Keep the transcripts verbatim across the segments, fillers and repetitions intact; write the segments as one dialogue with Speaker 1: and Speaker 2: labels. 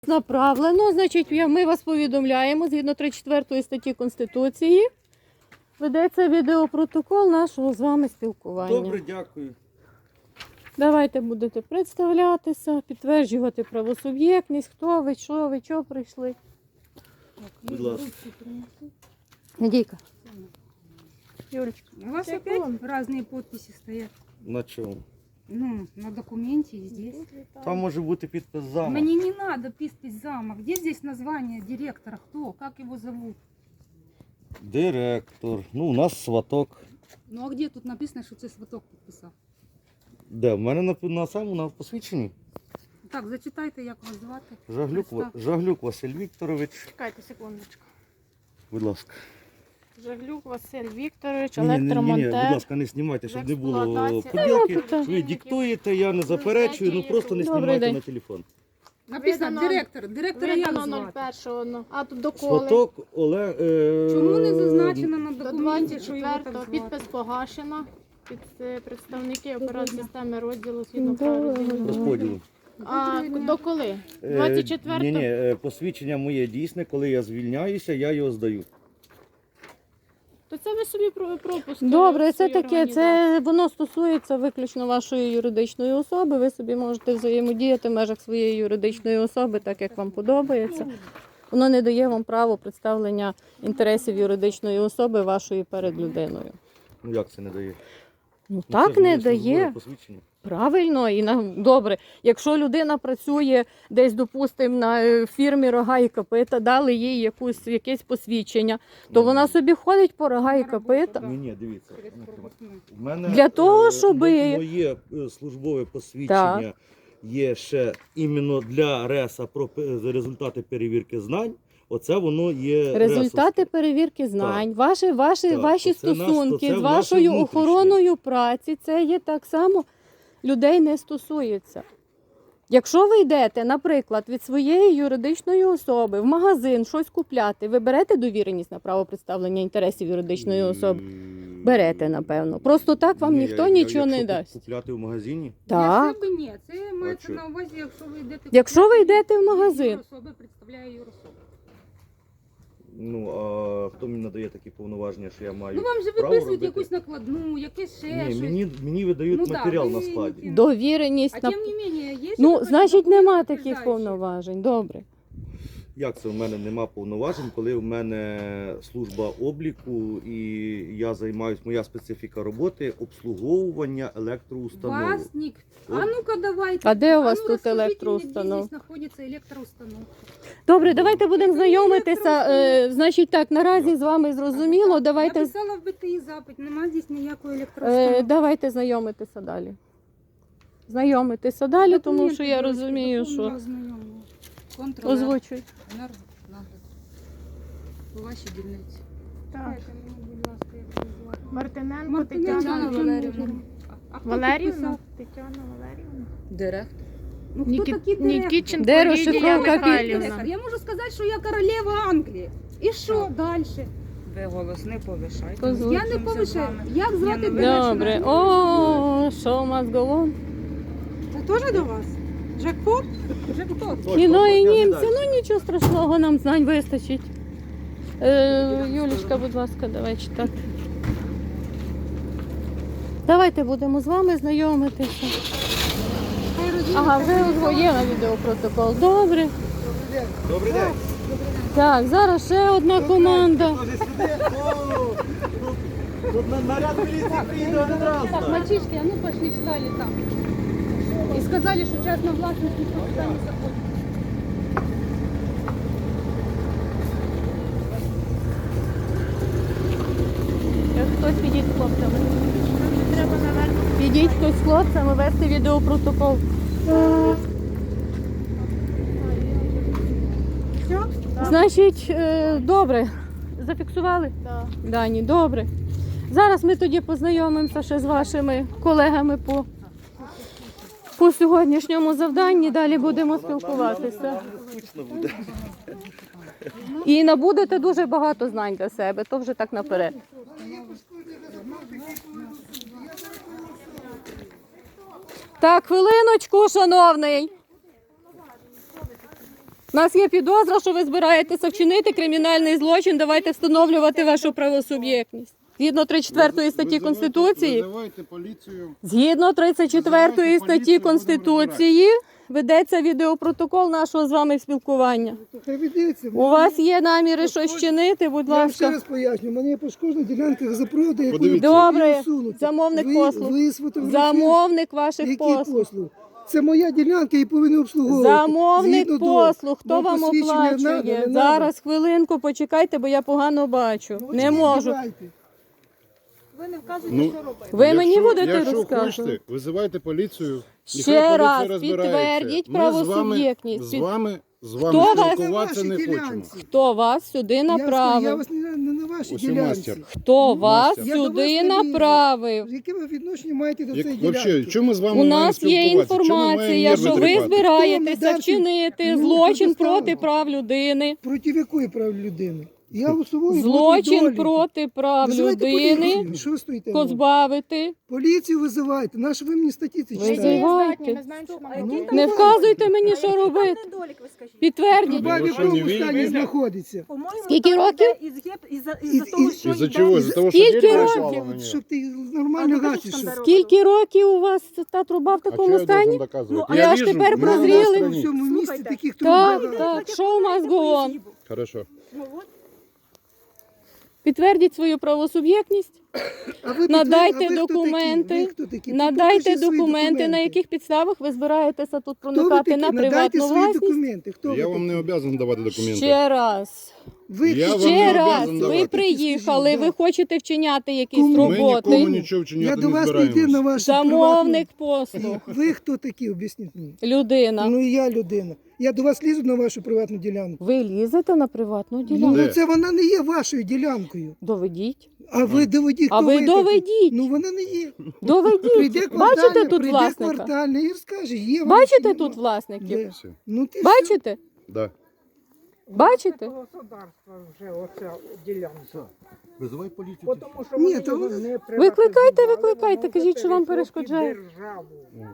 Speaker 1: Направлено, значить, ми вас повідомляємо, згідно тридцять четвертої статті Конституції, ведеться відеопротокол нашого з вами спілкування.
Speaker 2: Добре, дякую.
Speaker 1: Давайте будете представлятися, підтверджувати правосуб'єктність, хто ви, що ви, що прийшли.
Speaker 2: Будь ласка.
Speaker 1: Надійка. Юлечка.
Speaker 3: У вас опять разные подписи стоят?
Speaker 2: На чому?
Speaker 3: Ну, на документе и здесь.
Speaker 2: Там може бути підпис зама.
Speaker 3: Мне не надо подпись зама. Где здесь название директора? Кто? Как его зовут?
Speaker 2: Директор. Ну, у нас сваток.
Speaker 3: Ну а где тут написано, что це сваток підписав?
Speaker 2: Де? В мене на, на самому на посвідченні.
Speaker 3: Так, зачитайте, як вас звати.
Speaker 2: Жаглюк, Ва- Жаглюк Василь Вікторович.
Speaker 1: Чекайте секундочку.
Speaker 2: Будь ласка.
Speaker 1: Жаглюк Василь Вікторович,
Speaker 2: Ні, ні, ні, ні,
Speaker 1: електромонтер.
Speaker 2: будь ласка, не знімайте, щоб не було
Speaker 1: Експлуатація.
Speaker 2: поділки.
Speaker 1: Та, ну,
Speaker 2: Ви диктуєте, я не заперечую, ну просто не
Speaker 1: Добрий
Speaker 2: знімайте
Speaker 1: день.
Speaker 2: на телефон.
Speaker 3: Написано
Speaker 1: Видано-
Speaker 3: директор. Директора як
Speaker 1: Видано
Speaker 3: звати?
Speaker 1: нуль першого, а тут доколи.
Speaker 2: Сваток Олег... Е...
Speaker 3: Чому не зазначено на
Speaker 1: До
Speaker 3: документі, що його так
Speaker 1: двадцять четвертого
Speaker 3: звати?
Speaker 1: підпис погашено. Під е, представники операції системи розділу згідно
Speaker 2: Розподілу.
Speaker 1: А до коли?
Speaker 2: Е,
Speaker 1: двадцять четвертого?
Speaker 2: Ні, ні, е, посвідчення моє дійсне, коли я звільняюся, я його здаю.
Speaker 1: То це ви собі про- пропуск.
Speaker 4: Добре,
Speaker 1: е,
Speaker 4: це
Speaker 1: своєї
Speaker 4: таке,
Speaker 1: організації.
Speaker 4: це воно стосується виключно вашої юридичної особи. Ви собі можете взаємодіяти в межах своєї юридичної особи, так як вам подобається. Воно не дає вам право представлення інтересів юридичної особи вашої перед людиною.
Speaker 2: Ну як це не дає?
Speaker 4: Ну
Speaker 2: Ну,
Speaker 4: так
Speaker 2: це ж
Speaker 4: не
Speaker 2: моє службове
Speaker 4: дає.
Speaker 2: посвідчення.
Speaker 4: Правильно і на добре. Якщо людина працює десь, допустимо, на е, фірмі рога і копита, дали їй якусь якесь посвідчення, то
Speaker 2: Ну,
Speaker 4: вона собі ходить по рога і копита.
Speaker 2: Ні, ні, дивіться.
Speaker 3: Через пропускну.
Speaker 2: У мене
Speaker 4: Для того,
Speaker 2: е,
Speaker 4: щоби-
Speaker 2: мо- моє е, службове посвідчення є ще іменно для РЕСа про пе- за результати перевірки знань. Оце воно є
Speaker 4: Результати
Speaker 2: ресовське.
Speaker 4: перевірки знань, ваші, ваші,
Speaker 2: Так,
Speaker 4: ваші
Speaker 2: оце наш-
Speaker 4: стосунки
Speaker 2: оце
Speaker 4: з
Speaker 2: наше
Speaker 4: вашою
Speaker 2: внутрішнє.
Speaker 4: охороною праці, це є так само людей не стосується. Якщо ви йдете, наприклад, від своєї юридичної особи в магазин щось купляти, ви берете довіреність на право представлення інтересів юридичної особи?
Speaker 2: М,
Speaker 4: Берете, напевно. Просто так вам
Speaker 2: ні,
Speaker 4: ніхто
Speaker 2: я- я-
Speaker 4: нічого не
Speaker 2: якщо
Speaker 4: дасть.
Speaker 2: Купляти в магазині?
Speaker 4: Так.
Speaker 3: Для себе ні. Це мається
Speaker 2: що?
Speaker 3: на увазі, якщо ви йдете...
Speaker 4: Якщо ви
Speaker 3: купляти,
Speaker 4: йдете в магазин.
Speaker 3: юрособа представляє юрособу.
Speaker 2: Ну, а хто мені надає такі повноваження, що я маю
Speaker 3: Ну вам же
Speaker 2: право
Speaker 3: виписують
Speaker 2: робити?
Speaker 3: якусь накладну, якесь ще
Speaker 2: Ні,
Speaker 3: щось.
Speaker 2: мені, мені видають
Speaker 3: Ну, да,
Speaker 2: матеріал
Speaker 3: ви
Speaker 2: на
Speaker 3: не
Speaker 2: складі.
Speaker 3: ті.
Speaker 4: Довіреність.
Speaker 3: А
Speaker 4: на...
Speaker 3: тим не менее, є
Speaker 4: Ну,
Speaker 3: ще
Speaker 4: значить,
Speaker 3: якісь
Speaker 4: нема
Speaker 3: документи
Speaker 4: таких
Speaker 3: підтверджуючі?
Speaker 4: повноважень. Добре.
Speaker 2: Як це в мене нема повноважень, коли в мене служба обліку і я займаюся, моя специфіка роботи обслуговування електроустанов.
Speaker 3: Вас ник... А ну-ка давайте.
Speaker 4: А де у вас
Speaker 3: ну,
Speaker 4: тут
Speaker 3: розкажіть мені,
Speaker 4: електроустанов?
Speaker 3: Де здесь знаходиться електроустановка?
Speaker 4: Добре, давайте будемо
Speaker 3: Це
Speaker 4: знайомитися.
Speaker 3: електроустановка.
Speaker 4: Е, значить так, наразі з вами зрозуміло. Давайте,
Speaker 3: Я писала в БТІ запит, нема здесь ніякої
Speaker 4: е,
Speaker 3: електроустановки.
Speaker 4: давайте знайомитися далі. Знайомитися далі, тому що я
Speaker 3: Документи,
Speaker 4: розумію,
Speaker 3: будь ласка,
Speaker 4: що
Speaker 3: доповнення ознайомлення. Контролер,
Speaker 4: озвучуй.
Speaker 3: енергонагляд. У вашій дільниці.
Speaker 1: Так.
Speaker 3: Дайте мені, будь ласка, як її звати.
Speaker 1: Мартиненко
Speaker 3: Мартиненко
Speaker 1: Тетяна
Speaker 3: Тетяна
Speaker 1: Валерівна.
Speaker 3: А хто
Speaker 1: Валерівна?
Speaker 3: підписав?
Speaker 1: Тетяна Валерівна.
Speaker 3: Директор. Ну, хто
Speaker 1: Нікі...
Speaker 3: такий директор?
Speaker 1: Нікітченко
Speaker 4: Де
Speaker 1: Лідія
Speaker 4: розшифровка
Speaker 1: Михайлівна.
Speaker 3: Директор. Я можу сказати, що я королева Англії. І що далі?
Speaker 5: Ви голос не повишайте.
Speaker 4: Озвучуй.
Speaker 3: Я не повишаю. Як звати
Speaker 5: Ні, ну,
Speaker 3: директора?
Speaker 4: Добре. О, show must go on.
Speaker 3: Це теж до вас? Джекпот? Джекпот.
Speaker 4: Кіно і
Speaker 2: Точно,
Speaker 4: німці,
Speaker 2: далі.
Speaker 4: ну нічого страшного, нам знань вистачить. Е, Юлічка, будь ласка, давай читати. Давайте будемо з вами знайомитися. Ага, ви озвоє на відеопротокол. Добре.
Speaker 2: Добрий день.
Speaker 4: Так, зараз ще одна команда.
Speaker 2: Може сюди? О, тут- Тут на- наряд міліції приїде один раз.
Speaker 3: Так, мальчишки, а ну пошли встали там. И сказали, что частная властность никто туда не заходит.
Speaker 4: Хтось підіть з хлопцями. Підіть хтось з хлопцями вести відеопротокол. Значить, е, добре. Зафіксували?
Speaker 1: Так.
Speaker 4: Дані, добре. Зараз ми тоді познайомимося ще з вашими колегами по, по сьогоднішньому завданні. Далі будемо спілкуватися.
Speaker 2: Скучно буде.
Speaker 4: І набудете дуже багато знань для себе, то вже так наперед. Так, хвилиночку, шановний. У нас є підозра, що ви збираєтеся вчинити кримінальний злочин. Давайте встановлювати вашу правосуб'єктність. Згідно тридцять четвертої статті
Speaker 6: Визивайте-
Speaker 4: Конституції,
Speaker 6: Визивайте поліцію.
Speaker 4: згідно тридцять четвертої
Speaker 6: Визивайте
Speaker 4: статті
Speaker 6: поліцію, будемо
Speaker 4: Конституції, ведеться відеопротокол нашого з вами спілкування.
Speaker 7: Хай ведеться.
Speaker 4: У вас є наміри щось вчинити, будь
Speaker 7: Я вам ще
Speaker 4: ласка.
Speaker 7: раз поясню, у мене є пошкоджена ділянка запрода, яку
Speaker 6: Подивіться.
Speaker 4: Добре,
Speaker 7: усунути.
Speaker 4: замовник
Speaker 7: ви,
Speaker 4: послуг.
Speaker 7: Ви сфотографуєте.
Speaker 4: Замовник ваших
Speaker 7: Які
Speaker 4: послуг.
Speaker 7: послуг? Це моя ділянка і повинен обслуговувати.
Speaker 4: Замовник
Speaker 7: Згідно до-
Speaker 4: послуг. Хто
Speaker 7: Вам
Speaker 4: вам
Speaker 7: посвідчення
Speaker 4: оплачує?
Speaker 7: надо, не надо?
Speaker 4: Зараз хвилинку, почекайте, бо я погано бачу.
Speaker 7: Ну,
Speaker 4: Не
Speaker 7: от
Speaker 4: можу.
Speaker 7: давайте.
Speaker 3: Ви не вказуєте,
Speaker 6: Ну,
Speaker 3: що робити.
Speaker 4: Ви мені
Speaker 6: Якщо-
Speaker 4: будете
Speaker 6: якщо
Speaker 4: розказувати?
Speaker 6: хочете, визивайте поліцію.
Speaker 4: Ще
Speaker 6: Нехай поліція
Speaker 4: раз
Speaker 6: розбирається.
Speaker 4: підтвердіть
Speaker 6: Ми з вами-
Speaker 4: правосуб'єктність.
Speaker 6: З вами, з
Speaker 4: Хто
Speaker 6: вами
Speaker 4: вас-
Speaker 6: спілкуватися
Speaker 7: На
Speaker 6: не
Speaker 7: вашій
Speaker 6: хочемо.
Speaker 7: ділянці.
Speaker 4: Хто вас сюди
Speaker 7: Я, скажу, я
Speaker 4: направив?
Speaker 7: вас не, не на вашій
Speaker 6: Ось
Speaker 7: ділянці.
Speaker 6: мастер.
Speaker 4: Хто вас
Speaker 6: Я
Speaker 7: до вас
Speaker 4: сюди
Speaker 7: не лізу.
Speaker 4: направив?
Speaker 7: Яке ви відношення маєте до
Speaker 6: Як,
Speaker 7: цієї
Speaker 6: вообще,
Speaker 7: ділянки?
Speaker 6: чому ми з вами
Speaker 4: У
Speaker 6: маємо
Speaker 4: нас є
Speaker 6: спілкуватися? Чому ми маємо
Speaker 4: інформація,
Speaker 6: нерви
Speaker 4: що ви
Speaker 6: тріпати?
Speaker 4: збираєтеся
Speaker 7: Хто не дав
Speaker 4: вчинити
Speaker 7: ну,
Speaker 4: злочин
Speaker 7: предоставив.
Speaker 4: проти прав людини.
Speaker 7: Проти якої прав людини? Я усуваю
Speaker 4: Злочин проти прав
Speaker 7: Визивайте
Speaker 4: людини.
Speaker 7: поліцію. Що ви стоїте?
Speaker 4: Позбавити.
Speaker 7: Поліцію визивайте. Нащо ви мені статті ці
Speaker 4: Ви
Speaker 7: читаєте?
Speaker 4: Визивайте.
Speaker 3: Ми знаємо, що
Speaker 7: Ну,
Speaker 3: має.
Speaker 4: Не вказуйте мені, що робити.
Speaker 3: Недолік, ви скажіть.
Speaker 4: Підтвердіть.
Speaker 7: Бабі
Speaker 6: Ну,
Speaker 7: в
Speaker 6: що, не
Speaker 7: якому
Speaker 6: вільні?
Speaker 7: стані знаходиться?
Speaker 3: По-моєму,
Speaker 4: Скільки
Speaker 3: так
Speaker 4: років?
Speaker 3: іде із гет- із-за-
Speaker 7: Із-
Speaker 3: із-за того,
Speaker 7: із-
Speaker 3: що
Speaker 6: Із-за
Speaker 3: йде-
Speaker 6: чого? Із-за того, що
Speaker 4: Скільки
Speaker 6: діти
Speaker 4: років?
Speaker 6: прислали мені?
Speaker 7: Щоб ти
Speaker 3: А
Speaker 7: нормально
Speaker 3: ти
Speaker 7: гасиш.
Speaker 3: що там робиш?
Speaker 4: Скільки років у вас та труба в
Speaker 6: А що
Speaker 4: такому
Speaker 6: я должен
Speaker 4: стані?
Speaker 6: доказувати?
Speaker 4: Ну, а я ж
Speaker 6: вижу,
Speaker 4: тепер
Speaker 6: в мене на
Speaker 4: прозріли.
Speaker 7: У
Speaker 6: стороні.
Speaker 7: всьому місті
Speaker 3: Слухайте.
Speaker 7: таких
Speaker 4: Так,
Speaker 7: труб.
Speaker 4: так, show must go on.
Speaker 6: Хорошо.
Speaker 3: Ну, от.
Speaker 4: Підтвердіть свою правосуб'єктність,
Speaker 7: А ви
Speaker 4: надайте
Speaker 7: підтвердіть, а ви хто
Speaker 4: документи,
Speaker 7: такі? Ви хто такі?
Speaker 4: надайте
Speaker 7: Покажіть свої
Speaker 4: документи, на яких підставах ви збираєтеся тут
Speaker 7: Хто ви
Speaker 4: проникати
Speaker 7: такі?
Speaker 4: на
Speaker 7: Надайте
Speaker 4: приватну
Speaker 7: свої
Speaker 4: власність.
Speaker 7: документи. Хто
Speaker 6: Я
Speaker 7: ви
Speaker 6: вам не
Speaker 7: такі?
Speaker 6: обов'язаний давати документи.
Speaker 4: Ще раз.
Speaker 7: Ви
Speaker 6: Я
Speaker 7: хто?
Speaker 6: вам не
Speaker 4: Ще раз,
Speaker 6: обов'язаний
Speaker 4: ви
Speaker 6: давати.
Speaker 4: приїхали,
Speaker 7: Скажіть,
Speaker 4: ви
Speaker 7: да.
Speaker 4: хочете вчиняти якісь
Speaker 7: Кому?
Speaker 6: Ми нікому
Speaker 4: роботи.
Speaker 6: нічого
Speaker 7: Я
Speaker 6: вчиняти
Speaker 7: до
Speaker 6: не
Speaker 7: вас не йду на
Speaker 6: збираємось.
Speaker 7: вашу
Speaker 4: Замовник
Speaker 7: приватну-
Speaker 4: послуг,
Speaker 7: Ви хто такі, об'ясніть мені?
Speaker 4: людина.
Speaker 7: Ну і я людина. Я до вас лізу на вашу приватну ділянку.
Speaker 4: Ви лізете на приватну
Speaker 7: Ну,
Speaker 4: ділянку?
Speaker 6: Де?
Speaker 7: це вона не є вашою ділянкою.
Speaker 4: Доведіть.
Speaker 7: А ви доведіть,
Speaker 4: А
Speaker 7: хто
Speaker 4: ви
Speaker 7: такі?
Speaker 4: доведіть.
Speaker 7: Ну вона не є.
Speaker 4: Доведіть.
Speaker 7: Прийде
Speaker 4: Бачите
Speaker 7: квартальний,
Speaker 4: тут
Speaker 7: прийде
Speaker 4: власника?
Speaker 7: квартальний і розкаже, є вона
Speaker 4: Бачите
Speaker 7: чи
Speaker 4: тут
Speaker 7: нема.
Speaker 4: власників?
Speaker 7: Де?
Speaker 6: Все.
Speaker 7: Ну, ти
Speaker 4: Бачите?
Speaker 6: Да.
Speaker 4: Бачите?
Speaker 8: Государство вже оця ділянка.
Speaker 2: Визивай поліцію.
Speaker 8: Бо Тому що
Speaker 7: Ні,
Speaker 8: вони
Speaker 7: то
Speaker 8: його
Speaker 7: ви-
Speaker 8: не
Speaker 4: Викликайте,
Speaker 8: приватизували,
Speaker 4: викликайте,
Speaker 8: воно
Speaker 4: кажіть, що вам
Speaker 8: перейшло під
Speaker 4: перешкоджає.
Speaker 8: державу.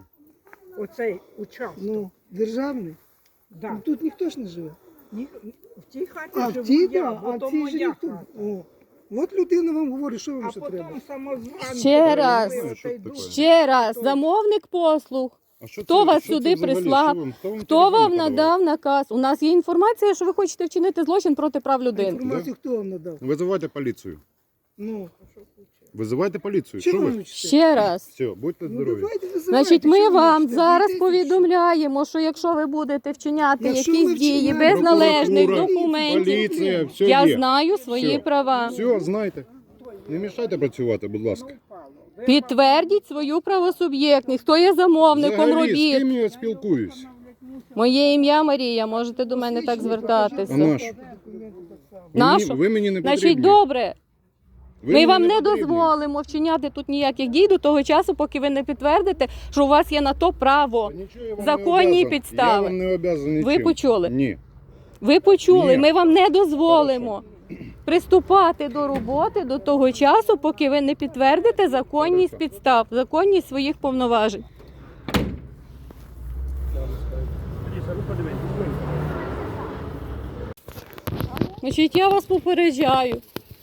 Speaker 8: Оцей участок.
Speaker 7: Ну, державний.
Speaker 8: Да.
Speaker 7: Ну, тут ніхто ж не живе.
Speaker 8: Ні, в тій хаті
Speaker 7: А в
Speaker 8: живу
Speaker 7: тій,
Speaker 8: я,
Speaker 7: да,
Speaker 8: бо
Speaker 7: а
Speaker 8: то
Speaker 7: в цій же
Speaker 8: моя
Speaker 7: ніхто.
Speaker 8: хата.
Speaker 7: О. От людина вам говорить, що вам
Speaker 8: А
Speaker 7: ще
Speaker 8: потім
Speaker 7: треба.
Speaker 8: самозванці.
Speaker 4: Ще раз.
Speaker 8: перейшли
Speaker 6: Що
Speaker 8: оцей
Speaker 6: таке?
Speaker 8: дух.
Speaker 4: Ще раз, замовник послуг.
Speaker 6: А що
Speaker 4: Хто
Speaker 6: це-
Speaker 4: вас
Speaker 6: що це
Speaker 4: сюди
Speaker 6: взагалі?
Speaker 4: прислав?
Speaker 6: Що вам- Хто вам
Speaker 4: Хто
Speaker 6: телефон
Speaker 4: вам
Speaker 6: подавав?
Speaker 4: надав наказ? У нас є інформація, що ви хочете вчинити злочин проти прав людини.
Speaker 7: Інформацію хто вам надав?
Speaker 6: Визивайте поліцію.
Speaker 7: Ну,
Speaker 6: Визивайте поліцію. Що
Speaker 7: чого
Speaker 6: ви?
Speaker 7: ви вчите?
Speaker 4: Ще раз.
Speaker 6: Все, будьте
Speaker 7: Ну,
Speaker 6: здорові.
Speaker 7: давайте визивайте,
Speaker 4: Значить,
Speaker 7: що
Speaker 4: ми
Speaker 7: ви
Speaker 4: вам
Speaker 7: вчите?
Speaker 4: зараз
Speaker 7: Дайте,
Speaker 4: повідомляємо, що якщо ви будете вчиняти
Speaker 7: Якщо
Speaker 4: якісь
Speaker 7: ми
Speaker 4: дії
Speaker 7: вчиняємо-
Speaker 4: без належних
Speaker 6: Прокуратура,
Speaker 4: документів,
Speaker 6: Поліція, все
Speaker 4: я
Speaker 6: є.
Speaker 4: знаю свої
Speaker 6: Все.
Speaker 4: права.
Speaker 6: Все, знайте. Не мішайте працювати, будь ласка.
Speaker 4: Підтвердіть свою правосуб'єктність. Хто є замовником
Speaker 6: Взагалі, з
Speaker 4: робіт?
Speaker 6: ким я спілкуюсь?
Speaker 4: Моє ім'я Марія, можете до мене так
Speaker 6: А
Speaker 4: звертатися.
Speaker 6: наш?
Speaker 4: Нашу?
Speaker 6: Ви мені не
Speaker 4: Значить,
Speaker 6: потрібні.
Speaker 4: добре.
Speaker 6: Ви
Speaker 4: Ми
Speaker 6: мені
Speaker 4: вам не
Speaker 6: потрібні.
Speaker 4: дозволимо вчиняти тут ніяких дій до того часу, поки ви не підтвердите, що у вас є на то право.
Speaker 6: Та нічого я вам
Speaker 4: законні
Speaker 6: не обязан.
Speaker 4: підстави.
Speaker 6: Я вам не обязан
Speaker 4: Ви
Speaker 6: нічим.
Speaker 4: почули?
Speaker 6: Ні.
Speaker 4: Ви почули,
Speaker 6: Ні.
Speaker 4: ми вам не дозволимо приступати до роботи до того часу, поки ви не підтвердите законність
Speaker 6: Хорошо.
Speaker 4: підстав, законність своїх повноважень. Значить, я вас попереджаю.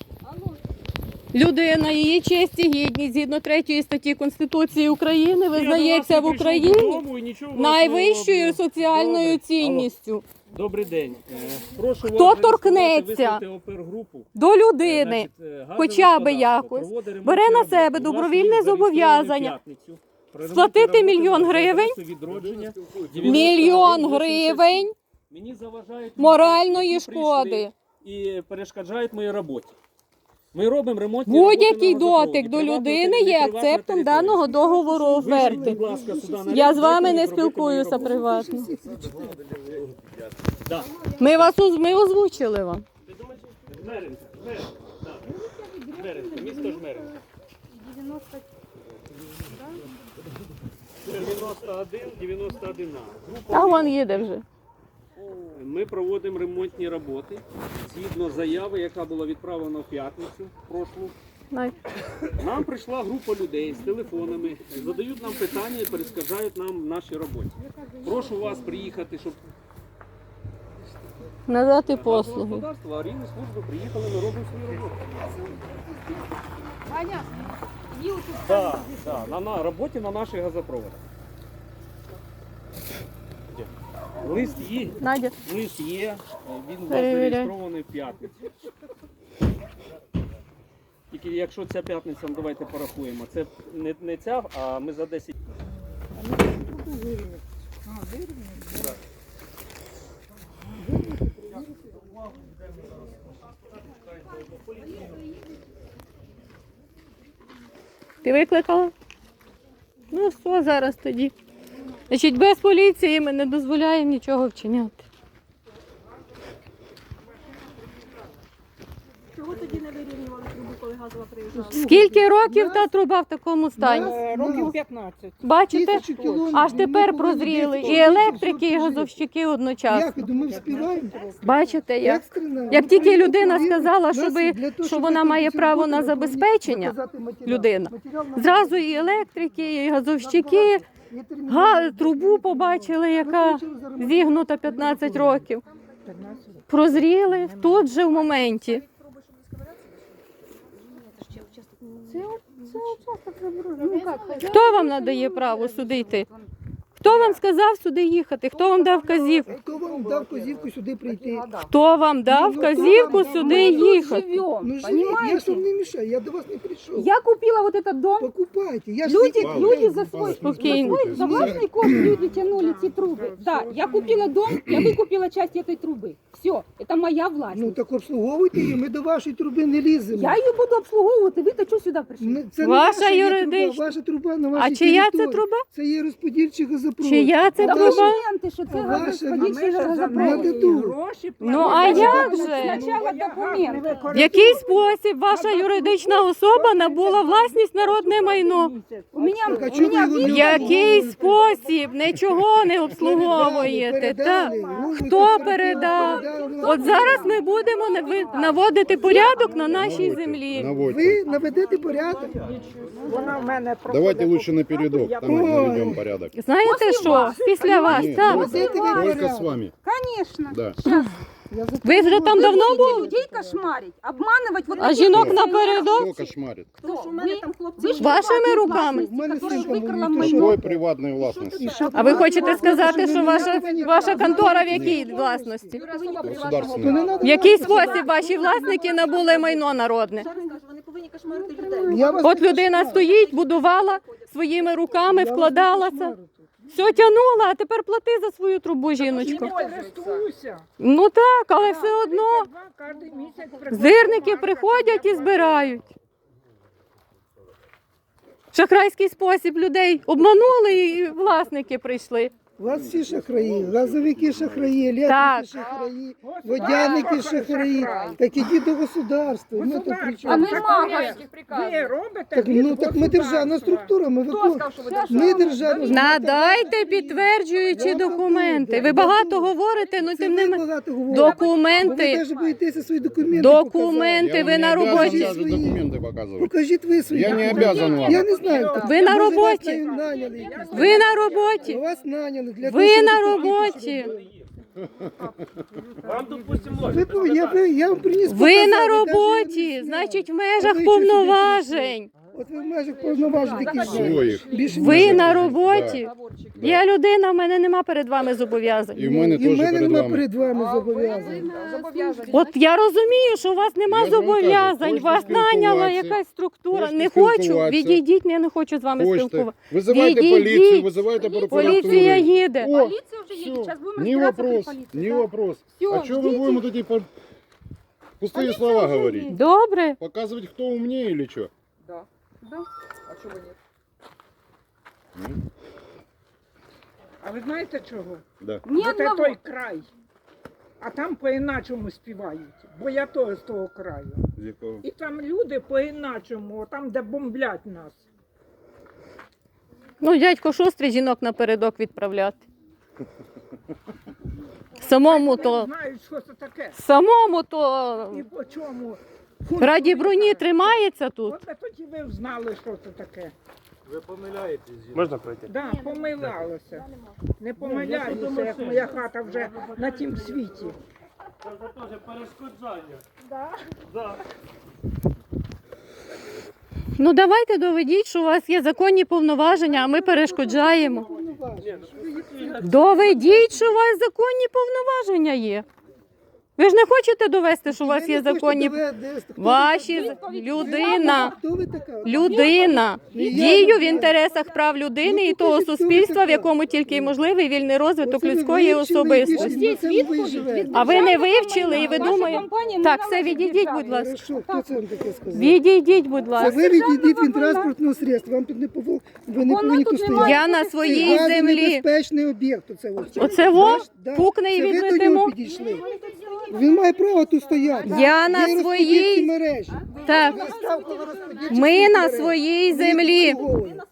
Speaker 4: Людина, її честь і гідність, згідно третьої статті Конституції України, визнається в Україні найвищою соціальною
Speaker 9: Добре.
Speaker 4: цінністю.
Speaker 9: Добрий день. Е, Прошу
Speaker 4: Хто
Speaker 9: вас
Speaker 4: торкнеться
Speaker 9: вислати опергрупу.
Speaker 4: До людини,
Speaker 9: Значить, е, газове
Speaker 4: хоча би
Speaker 9: господарство
Speaker 4: якось,
Speaker 9: проводить ремонтні
Speaker 4: бере на
Speaker 9: роботи.
Speaker 4: себе
Speaker 9: У вас
Speaker 4: добровільне
Speaker 9: є зареєстрований
Speaker 4: зобов'язання
Speaker 9: в п'ятницю. Про
Speaker 4: сплатити
Speaker 9: ремонтні роботи
Speaker 4: мільйон
Speaker 9: за
Speaker 4: гривень,
Speaker 9: адресою відродження
Speaker 4: мільйон
Speaker 9: дев'яносто один
Speaker 4: гривень
Speaker 9: Мені заважають
Speaker 4: моральної
Speaker 9: які прийшли
Speaker 4: шкоди.
Speaker 9: і перешкоджають моїй роботі. Ми робимо ремонтні
Speaker 4: Будь-який
Speaker 9: роботи на газопроводі.
Speaker 4: дотик до
Speaker 9: Приватна
Speaker 4: людини
Speaker 9: територія,
Speaker 4: є
Speaker 9: приватна
Speaker 4: акцептом
Speaker 9: територія.
Speaker 4: даного договору
Speaker 9: Вийдіть,
Speaker 4: оферти.
Speaker 9: будь ласка, сюди на
Speaker 4: Я
Speaker 9: ринок,
Speaker 4: з вами
Speaker 9: дайте
Speaker 4: не
Speaker 9: мені зробити мою
Speaker 4: спілкуюся
Speaker 9: роботу.
Speaker 4: приватно.
Speaker 9: Да.
Speaker 4: Ми вас оз- ми озвучили вам.
Speaker 9: Жмеринка, Жмеринка, так. Жмеринка, місто Жмеринка. дев'яносто один, дев'яносто один А.
Speaker 4: А вон їде вже.
Speaker 9: Ми проводимо ремонтні роботи згідно заяви, яка була відправлена в п'ятницю прошлу.
Speaker 4: Най.
Speaker 9: Нам прийшла група людей з телефонами, задають нам питання і перешкоджають нам в нашій роботі. Прошу вас приїхати, щоб
Speaker 4: Надати
Speaker 9: Газове
Speaker 4: послуги.
Speaker 9: господарство, аварійні служби приїхали, ми робимо свою роботу.
Speaker 3: Аня, є тут
Speaker 9: Так, так, на, на роботі на наших газопроводах. Лист є,
Speaker 4: Надя,
Speaker 9: лист є, він у нас
Speaker 4: Перевіряй.
Speaker 9: зареєстрований в п'ятницю. Тільки якщо ця п'ятниця, ну, давайте порахуємо, це не, не ця, а ми за десять.
Speaker 4: ти викликала? Ну все, зараз тоді. Значить, без поліції ми не дозволяємо нічого вчиняти.
Speaker 3: чого тоді не вирівнювали трубу, коли газова приїжджала?
Speaker 4: Скільки років та труба в такому стані?
Speaker 8: Е, Років п'ятнадцять.
Speaker 4: Бачите?
Speaker 7: Тисячу кілометрів.
Speaker 4: Аж тепер
Speaker 7: Ми
Speaker 4: прозріли.
Speaker 7: повинні
Speaker 4: І електрики, і
Speaker 7: жити.
Speaker 4: газовщики
Speaker 7: Як
Speaker 4: одночасно.
Speaker 7: ви думаєте, співаємо?
Speaker 4: Бачите, як?
Speaker 7: Екстрена.
Speaker 4: Як
Speaker 7: Ми
Speaker 4: тільки
Speaker 7: повинні
Speaker 4: людина
Speaker 7: повірити.
Speaker 4: сказала,
Speaker 7: Нас
Speaker 4: що ви-
Speaker 7: для того,
Speaker 4: що
Speaker 7: щоб
Speaker 4: вона
Speaker 7: ви
Speaker 4: має
Speaker 7: цю
Speaker 4: право
Speaker 7: роботу,
Speaker 4: на
Speaker 7: ви повинні
Speaker 4: забезпечення,
Speaker 7: показати матеріал.
Speaker 4: людина,
Speaker 7: Матеріал нам
Speaker 4: Зразу і електрики, і газовщики,
Speaker 7: є термін.
Speaker 4: га, трубу побачили, яка зігнута п'ятнадцять років. Прозріли тут же в моменті. Хто вам надає право сюди йти? Хто вам сказав сюди їхати? Хто вам дав вказівку?
Speaker 7: Хто вам дав козівку сюди прийти?
Speaker 4: Хто вам дав вказівку сюди їхати?
Speaker 7: Ну живіть, я ж вам не мішаю, я до вас не прийшов.
Speaker 3: Я купила вот этот дом.
Speaker 7: Покупайте. Я ж
Speaker 3: Люди,
Speaker 7: тільки-
Speaker 3: люди за свой,
Speaker 4: Спокійно.
Speaker 3: за свой, за властный кошт люди тянули эти трубы. Да, я купила дом, я выкупила часть этой трубы. Все, это моя власть.
Speaker 7: Ну так обслуговуйте її, ми до вашої труби не ліземо.
Speaker 3: Я її буду обслуговувати, ви то чого сюди прийшли?
Speaker 7: Ну, це не
Speaker 4: Ваша
Speaker 7: є
Speaker 4: юридична.
Speaker 7: труба, ваша труба на вашій
Speaker 4: А чия це
Speaker 7: території.
Speaker 4: труба?
Speaker 7: Це є розподільчий газопровод.
Speaker 4: Чия це
Speaker 7: А
Speaker 4: труба?
Speaker 7: ваша-
Speaker 3: Документи, що це
Speaker 7: Ваша-
Speaker 3: газоподільчий
Speaker 8: Ми ж за
Speaker 3: газопровод.
Speaker 7: неї
Speaker 8: неї
Speaker 7: гроші
Speaker 8: гроші
Speaker 4: Ну а як же?
Speaker 3: Спочатку документи.
Speaker 4: В який спосіб ваша юридична особа набула власність народне майно?
Speaker 3: У мене,
Speaker 7: Так, а
Speaker 3: у
Speaker 7: чого ви
Speaker 3: мене
Speaker 7: його не
Speaker 4: В який спосіб? Нічого не обслуговуєте. Так. Хто передав? От зараз ми будемо нави- наводити порядок на нашій землі.
Speaker 6: Наводьте.
Speaker 7: Ви наведете порядок.
Speaker 8: Вона в мене
Speaker 6: Давайте лучше на передок, там мы наведем порядок.
Speaker 4: Знаєте що? Після вас,
Speaker 6: Нет,
Speaker 4: так.
Speaker 7: Наведете ви
Speaker 6: Только
Speaker 7: порядок.
Speaker 6: с вами.
Speaker 3: Конечно.
Speaker 6: Да.
Speaker 4: Ви вже там давно
Speaker 3: Будете
Speaker 4: були?
Speaker 3: людей кошмарить, обманывать вот
Speaker 4: А
Speaker 3: таких
Speaker 4: жінок
Speaker 3: вот
Speaker 6: Кто
Speaker 4: напередок?
Speaker 6: кошмарит?
Speaker 3: Хто? Ви, ви ж
Speaker 4: Вашими
Speaker 3: приватні
Speaker 4: руками?
Speaker 3: власниці,
Speaker 7: У мене
Speaker 3: які
Speaker 7: син
Speaker 3: викрала
Speaker 7: там
Speaker 3: майно.
Speaker 6: Какой приватной властности?
Speaker 4: А ви хочете сказати, що ваша, ваша контора в якій власності?
Speaker 6: Государственной.
Speaker 4: В який спосіб ваші власники набули майно народне?
Speaker 7: Я вас
Speaker 4: От
Speaker 7: не
Speaker 4: людина
Speaker 7: кошмарю.
Speaker 4: стоїть, будувала своїми руками,
Speaker 7: Я вас не
Speaker 4: вкладалася.
Speaker 7: кошмарю.
Speaker 4: Все тягнула, а тепер плати за свою трубу, жіночко.
Speaker 8: користуюся.
Speaker 4: Ну так, але все одно
Speaker 8: Кожен місяць приходить
Speaker 4: зирники
Speaker 8: бумажка,
Speaker 4: приходять і
Speaker 8: я
Speaker 4: збирають. В шахрайський спосіб людей обманули і власники прийшли.
Speaker 7: У вас всі шахраї, газовики шахраї,
Speaker 4: Так.
Speaker 7: електрики шахраї, водяники шахраї. Так ідіть до государства. Ми тут при
Speaker 8: Государство.
Speaker 7: чому?
Speaker 3: А ми
Speaker 8: Так,
Speaker 3: магазин.
Speaker 8: Ви робите
Speaker 7: Так,
Speaker 8: від
Speaker 7: ну так ми державна
Speaker 8: государства.
Speaker 7: структура, ми виконуємо. Ми державна
Speaker 4: Надайте підтверджуючі документи. Ви багато говорите, ну
Speaker 7: Це
Speaker 4: тим не
Speaker 7: ви
Speaker 4: менше.
Speaker 7: багато говорите. Бо ви
Speaker 4: Документи,
Speaker 7: навіть боїтеся свої документи
Speaker 4: документи,
Speaker 6: Я
Speaker 4: ви
Speaker 6: вам
Speaker 4: на
Speaker 6: не обязан
Speaker 4: роботі.
Speaker 6: даже документы показывать.
Speaker 7: Покажіть ви свої
Speaker 6: Я не
Speaker 7: документи.
Speaker 6: обязан вам.
Speaker 7: Я не знаю. так,
Speaker 4: Ви на
Speaker 7: може, вас
Speaker 4: роботі.
Speaker 7: там наняли якісь.
Speaker 4: Ви на роботі.
Speaker 7: Вас наняли для того,
Speaker 4: Ви
Speaker 7: щоб
Speaker 4: на
Speaker 7: ви
Speaker 4: роботі.
Speaker 9: Вам, допустимо,
Speaker 7: Ви, ви, я, ви, я вам приніс
Speaker 4: Ви
Speaker 7: показати,
Speaker 4: на
Speaker 7: навіть я не
Speaker 4: роботі,
Speaker 7: зняв.
Speaker 4: значить, в
Speaker 7: А
Speaker 4: межах
Speaker 7: ви що сюди
Speaker 4: повноважень.
Speaker 7: От ви в межах повноважень такі
Speaker 6: Своїх.
Speaker 7: Більше
Speaker 4: Ви
Speaker 7: ніж-
Speaker 4: на роботі. Я людина, в мене нема перед вами зобов'язань.
Speaker 6: И в мене
Speaker 7: І в
Speaker 6: теж
Speaker 7: мене
Speaker 6: перед
Speaker 7: нема
Speaker 6: вами.
Speaker 7: перед вами зобов'язань.
Speaker 4: От я розумію, що у вас нема
Speaker 6: Я ж вам кажу,
Speaker 4: зобов'язань,
Speaker 6: хочете
Speaker 4: вас наняла
Speaker 6: спілкуватися,
Speaker 4: якась структура.
Speaker 6: хочете
Speaker 4: Не хочу,
Speaker 6: спілкуватися.
Speaker 4: відійдіть, я не хочу з вами
Speaker 6: Хочете.
Speaker 4: спілкуватися.
Speaker 6: Вызывайте
Speaker 4: Відійдіть.
Speaker 6: полицию, вызывайте прокуратуру.
Speaker 4: Поліція їде.
Speaker 6: О,
Speaker 3: Поліція вже їде,
Speaker 6: всё.
Speaker 3: зараз будемо
Speaker 6: Не
Speaker 3: розбиратися при
Speaker 6: вопрос,
Speaker 3: поліції.
Speaker 6: не
Speaker 3: да.
Speaker 6: вопрос.
Speaker 3: Всё,
Speaker 6: А что вы
Speaker 3: ждите.
Speaker 6: будем вот эти по- пустые слова говорить?
Speaker 4: Добре.
Speaker 6: Показывать, кто умнее или что?
Speaker 8: А ви знаєте чого?
Speaker 6: Да.
Speaker 3: Ні
Speaker 8: От це
Speaker 3: одного.
Speaker 8: той край. А там по-іначому співають. Бо я теж з того краю.
Speaker 6: З якого?
Speaker 8: І там люди по-іначому, там, де бомблять нас.
Speaker 4: Ну, дядько шустрий жінок напередок відправляти. Самому
Speaker 8: Вони
Speaker 4: то,
Speaker 8: знають, що це таке.
Speaker 4: самому то
Speaker 8: І по чому.
Speaker 4: раді броні тримається тут.
Speaker 8: От тоді ви знали, що це таке.
Speaker 9: можна пройти?
Speaker 8: Да, помилялося. Не помиляюся, як моя хата вже на тім світі.
Speaker 9: Це теж перешкоджання. Да.
Speaker 4: Ну давайте доведіть, що у вас є законні повноваження, а ми перешкоджаємо. Доведіть, що у вас законні повноваження є. Ви ж не хочете довести, що у вас є законні ваші з- людина.
Speaker 7: Хто ви така?
Speaker 4: Людина дію в інтересах прав людини і того суспільства, в якому тільки можливий вільний розвиток
Speaker 7: Оце ви
Speaker 4: людської
Speaker 7: вивчили,
Speaker 4: особистості.
Speaker 7: і пішли, на цьому ви живете.
Speaker 4: А ви не вивчили і ви
Speaker 3: Ваша
Speaker 4: думаєте.
Speaker 3: компанія не
Speaker 4: Так,
Speaker 3: належить
Speaker 4: все, відійдіть,
Speaker 3: державі.
Speaker 4: будь ласка.
Speaker 7: Хорошо, хто це вам таке сказав?
Speaker 4: Відійдіть, будь
Speaker 7: Це
Speaker 4: ласка.
Speaker 7: ви відійдіть від транспортного средства, вам тут не повол... ви не
Speaker 3: Воно
Speaker 7: повинні
Speaker 3: тут
Speaker 7: тут
Speaker 3: немає.
Speaker 7: стояти.
Speaker 4: Я на своїй
Speaker 7: Це
Speaker 4: землі.
Speaker 7: небезпечний об'єкт. Оце, ось.
Speaker 4: Оце во?
Speaker 7: Ваш- да.
Speaker 4: Пукне і
Speaker 7: Це ви до
Speaker 4: відлетимо?
Speaker 7: нього підійшли. Він має право тут стояти.
Speaker 4: Я на
Speaker 7: Є
Speaker 4: своїй-
Speaker 7: розподільчі мережі.
Speaker 4: Так,
Speaker 7: Ви став коло розподільчих
Speaker 4: ми на
Speaker 7: мереж.
Speaker 4: своїй
Speaker 7: Ви їх
Speaker 4: землі.
Speaker 7: обслуговуєте.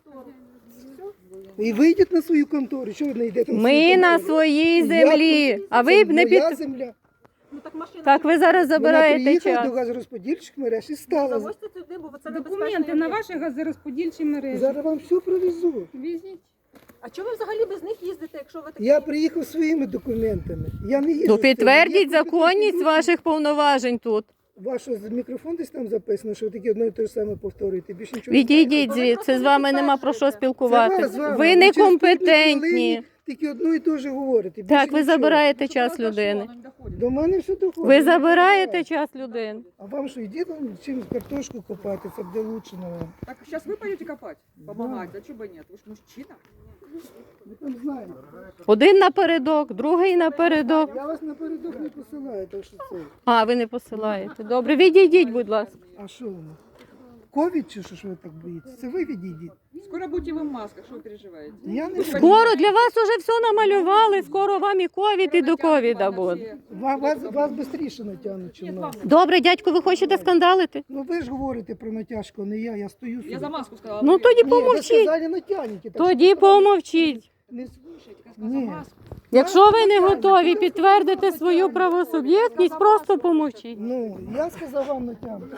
Speaker 7: І вийдіть на свою контору. Що ви не йдете на свою
Speaker 4: Ми на
Speaker 7: контору?
Speaker 4: своїй
Speaker 7: Я
Speaker 4: землі.
Speaker 7: тут-
Speaker 4: А
Speaker 7: це
Speaker 4: ви не
Speaker 7: моя
Speaker 4: під...
Speaker 7: земля.
Speaker 4: Так, ви зараз
Speaker 7: Вона
Speaker 4: забираєте
Speaker 7: приїхала
Speaker 4: час.
Speaker 7: до газорозподільчих мереж і стала.
Speaker 3: Документи на ваші газорозподільчі мережі.
Speaker 7: Зараз вам все провезу.
Speaker 3: Візьміть.
Speaker 1: А чому ви взагалі без них їздите, якщо ви такі?
Speaker 7: Я приїхав своїми документами. Я не їжджу
Speaker 4: Ну
Speaker 7: з цим.
Speaker 4: підтвердіть
Speaker 7: Є
Speaker 4: законність
Speaker 7: люди.
Speaker 4: ваших повноважень тут.
Speaker 7: Ваш ось мікрофон десь там записано, що ви таке одно і те ж саме повторюєте. Більше нічого
Speaker 4: Відійдіть звідси, з вами нема про що
Speaker 7: не знаєте. Це
Speaker 4: спілкуватися.
Speaker 7: вас з вами.
Speaker 4: Ви
Speaker 7: через
Speaker 4: некомпетентні.
Speaker 7: хвилини Тільки одно і те ж говорите. Більше
Speaker 4: Так, ви
Speaker 7: нічого.
Speaker 4: забираєте час людини.
Speaker 7: До мене все доходить.
Speaker 4: Ви забираєте час людини.
Speaker 7: А вам що, йдіть там чим картошку копати, це буде лучше на вам.
Speaker 5: Так сейчас вы пойдете копать, помогать, а чего бы нет? Вы же мужчина.
Speaker 7: Ми там знаємо.
Speaker 4: Один напередок, другий напередок.
Speaker 7: Я вас напередок не посилаю, так що це.
Speaker 4: А, ви не посилаєте. Добре, відійдіть, будь ласка.
Speaker 7: А що воно? Ковід чи що ж ви так боїтеся? Це ви відійдіть.
Speaker 5: Скоро будете вы в масках, что вы переживаете?
Speaker 7: Я не
Speaker 4: Скоро для вас уже все намалювали, скоро вам і ковід, і до ковіда буде.
Speaker 7: Вас, вас, вас швидше натягнуть, чим нас.
Speaker 4: Добре, дядько, ви хочете скандалити?
Speaker 7: Ну ви ж говорите про натяжку, а не я, я стою собі.
Speaker 5: Я за маску сказала.
Speaker 4: Ну
Speaker 5: вы-
Speaker 4: тоді
Speaker 7: Ні, ви
Speaker 4: помовчіть.
Speaker 7: сказали натягнете. так
Speaker 4: Тоді
Speaker 7: що-
Speaker 4: помовчіть.
Speaker 7: Не...
Speaker 5: Слушайте, я сказала за
Speaker 7: Ні.
Speaker 5: маску.
Speaker 4: Якщо ви не готові підтвердити свою правосуб'єктність, просто помовчіть.
Speaker 7: Ну, я сказав вам натягнути.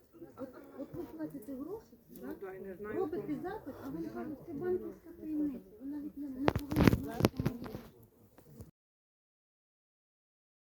Speaker 8: Ну, да, я не знаю.
Speaker 1: Робите запит, а вам кажуть, це банківська таємниця.